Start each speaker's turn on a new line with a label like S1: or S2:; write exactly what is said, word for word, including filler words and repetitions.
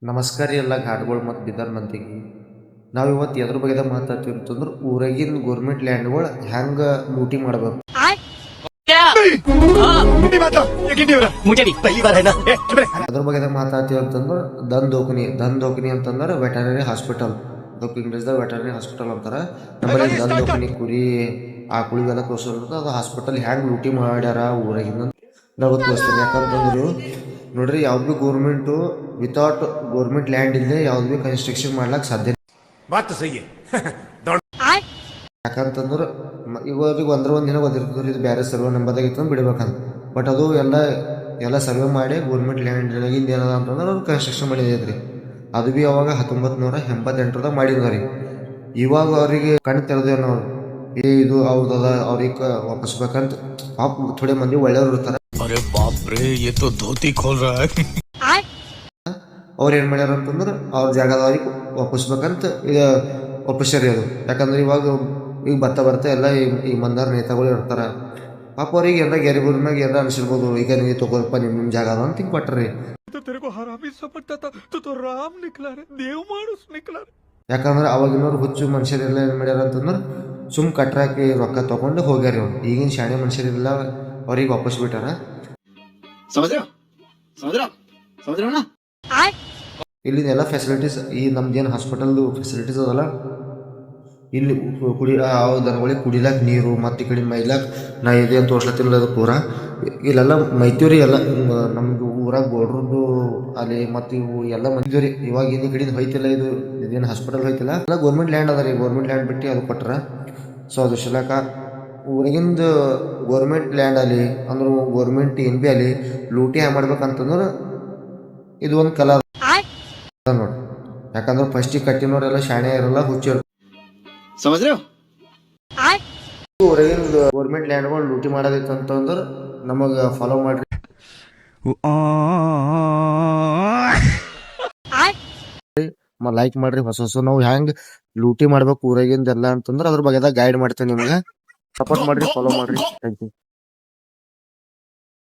S1: ನಮಸ್ಕಾರ ರೀ ಎಲ್ಲ ಘಾಟ್ಗಳು ಮತ್ತು ಬಿದರ್ ಮಂದಿಗೆ. ನಾವು ಇವತ್ತು ಎದ್ರ ಬಗ್ಗೆ ಮಾತಾಡ್ತೀವಿ ಅಂತಂದ್ರೆ ಊರಾಗಿನ ಗೋರ್ಮೆಂಟ್ ಲ್ಯಾಂಡ್ಗಳು ಹೆಂಗೆ ಲೂಟಿ ಮಾಡ್ಬೇಕು ಅದ್ರ ಬಗ್ಗೆ ಮಾತಾಡ್ತೀವಿ ಅಂತಂದ್ರೆ ದನ್ ದೋಕನಿ ದನ್ ದೋಕನಿ ಅಂತಂದ್ರೆ ವೆಟರ್ನರಿ ಹಾಸ್ಪಿಟಲ್. ಅದಕ್ಕೆ ಇಂಗ್ಲೀಷ್ದಾಗ ವೆಟರ್ನರಿ ಹಾಸ್ಪಿಟಲ್ ಅಂತಾರೆ. ನಮ್ಮಲ್ಲಿ ದನ್ ದೋಕನಿ ಕುರಿ ಆಕಳಿಗೆಲ್ಲ ತೋರಿಸಿರ್ತದೆ. ಅದು ಹಾಸ್ಪಿಟಲ್ ಹೆಂಗೆ ಲೂಟಿ ಮಾಡ್ಯಾರ ಊರಾಗಿಂದ ನಾವು ತೋರಿಸ್ತೀನಿ. ಯಾಕಂತಂದ್ರು ನೋಡ್ರಿ, ಯಾವ್ದು ಭೀ ಗೋರ್ಮೆಂಟು ವಿತೌಟ್ ಗೋರ್ಮೆಂಟ್ ಲ್ಯಾಂಡ್ ಇಲ್ಲದೆ ಯಾವ್ದು ಭೀ ಕನ್ಸ್ಟ್ರಕ್ಷನ್ ಮಾಡ್ಲಿಕ್ಕೆ ಸಾಧ್ಯ. ಯಾಕಂತಂದ್ರೆ ಇವಾಗ ಒಂದ್ರ ಒಂದು ದಿನ ಗೊತ್ತಿರ್ತದೆ ಇದು ಬೇರೆ ಸರ್ವೆ ನಂಬರ್ದಾಗ ಇತ್ತು ಬಿಡ್ಬೇಕಂತ. ಬಟ್ ಅದು ಎಲ್ಲ ಎಲ್ಲ ಸರ್ವೆ ಮಾಡಿ ಗೋರ್ಮೆಂಟ್ ಲ್ಯಾಂಡ್ ಇಂದ ಏನದ ಅಂತಂದ್ರೆ ಅವ್ರು ಕನ್ಸ್ಟ್ರಕ್ಷನ್ ಮಾಡಿದೈತ್ರಿ. ಅದು ಭೀ ಅವಾಗ ಹತ್ತೊಂಬತ್ತು ನೂರ ಎಂಬತ್ತೆಂಟರದಾಗ ಮಾಡಿದ್ರಿ. ಇವಾಗ ಅವರಿಗೆ ಕಣ್ಣು ತೆರೆದೇವ್ ನಾವು, ಏ ಇದು ಅವ್ರದ ಅವ್ರಿಗೆ ವಾಪಸ್ಬೇಕಂತ. ಪಾಪ ಥೋಡೆ ಮಂದಿ ಒಳ್ಳೆಯವ್ರು ಇರ್ತಾರೆ.
S2: अरे बाप रे, ये तो धोती खोल रहा है.
S1: ಅವ್ರು ಏನು ಮಾಡ್ಯಾರ ಅಂತಂದ್ರೆ ಅವ್ರ ಜಾಗದವ್ರಿಗೆ ವಾಪಸ್ಬೇಕಂತ ಇದು ವಾಪಸ್ಸರಿ ಅದು. ಯಾಕಂದ್ರೆ ಇವಾಗ ಈಗ ಭತ್ತ ಬರ್ತಾ ಎಲ್ಲ ಈ ಮಂದಾರ ನೇತಾಗಳು ಇರ್ತಾರೆ. ಪಾಪ ಅವ್ರಿಗೆ ಎಲ್ಲ ಗ್ಯಾರಿಬೂರ್ ಮ್ಯಾಗ ಎಲ್ಲ ಅನಿಸಿರ್ಬೋದು, ಈಗ ನೀವು ತಗೋರಪ್ಪ ನಿಮ್ಮ ನಿಮ್ಮ ಜಾಗ ಅದ ಅಂತ ಹಿಂಗೆ ಕೊಟ್ಟರಿ. ಯಾಕಂದ್ರೆ ಅವಾಗಿನವ್ರು ಹುಚ್ಚು ಮನುಷ್ಯರೆಲ್ಲ ಏನು ಮಾಡ್ಯಾರ ಅಂತಂದ್ರೆ ಸುಮ್ ಕಟ್ರಾಕಿ ರೊಕ್ಕ ತೊಗೊಂಡು ಹೋಗ್ಯಾರ. ಇವ್ರು ಈಗಿನ ಶಾಣೆ ಮನುಷ್ಯರೆಲ್ಲ ಅವ್ರಿಗೆ ವಾಪಸ್ ಬಿಟ್ಟಾರ. ಇಲ್ಲಿನ ಎಲ್ಲ ಫೆಸಿಲಿಟೀಸ್ ಈ ನಮ್ದೇನು ಹಾಸ್ಪಿಟಲ್ದು ಫೆಸಿಲಿಟೀಸ್ ಅದಲ್ಲ, ಇಲ್ಲಿ ಕುಡಿ ದನಗಳಿಗೆ ಕುಡಿಲಾಕ ನೀರು ಮತ್ತು ಈ ಕಡೆ ಮೈಲಾಕ ನಾ ಇದೆ ಅಂತ ತೋರ್ಸ್ಲತ್ತಿಲ್ಲ ಅದು ಪೂರ ಇಲ್ಲೆಲ್ಲ ಮೈತೀವ್ರಿ. ಎಲ್ಲ ನಮ್ದು ಊರಾಗ ಗೋಡ್ರದ್ದು ಅಲ್ಲಿ ಮತ್ತು ಇವು ಎಲ್ಲ ಮಂದಿದ್ವಿ ರೀ. ಇವಾಗ ಏನು ಈ ಕಡೆಯಿಂದ ಹೋಯ್ತಿಲ್ಲ, ಇದು ಇದೇನು ಹಾಸ್ಪಿಟಲ್ ಹೋಯ್ತಿಲ್ಲ, ಎಲ್ಲ ಗೋರ್ಮೆಂಟ್ ಲ್ಯಾಂಡ್ ಅದ ರೀ. ಗೋರ್ಮೆಂಟ್ ಲ್ಯಾಂಡ್ ಬಿಟ್ಟು ಅದು ಕೊಟ್ರ. ಸೊ ಅದು ಶಿಲಾಕ ಊರಾಗಿಂದ ಗೋರ್ಮೆಂಟ್ ಲ್ಯಾಂಡ್ ಅಲ್ಲಿ ಅಂದ್ರೆ ಗೋರ್ಮೆಂಟ್ ಏನು ಭೀ ಅಲ್ಲಿ ಲೂಟಿ ಹ್ಯಾಂಗ ಮಾಡ್ಬೇಕಂತಂದ್ರೆ ಇದು ಒಂದು ಕಲಾ ನೋಡಿ. ಯಾಕಂದ್ರೆ ಫಸ್ಟಿಗೆ ಕಟ್ಟಿನವರೆಲ್ಲ ಶಾಣೆ ಇರಲ್ಲ, ಹುಚ್ಚ ಊರಾಗಿನ ಗೋರ್ಮೆಂಟ್ ಲ್ಯಾಂಡ್ಗಳು ಲೂಟಿ ಮಾಡೋದೈತೆ ಅಂತಂದ್ರೆ ನಮಗೆ ಫಾಲೋ ಮಾಡ್ರಿ, ಲೈಕ್ ಮಾಡ್ರಿ. ಹೊಸ ಹೊಸ ನಾವು ಹೆಂಗೆ ಲೂಟಿ ಮಾಡ್ಬೇಕು ಊರಾಗಿಂದ ಎಲ್ಲ ಅಂತಂದ್ರೆ ಅದ್ರ ಬಗ್ಗೆ ಗೈಡ್ ಮಾಡ್ತೇನೆ ನಿಮಗೆ. ಸಪೋರ್ಟ್ ಮಾಡ್ರಿ, ಫಾಲೋ ಮಾಡ್ರಿ. Thank you.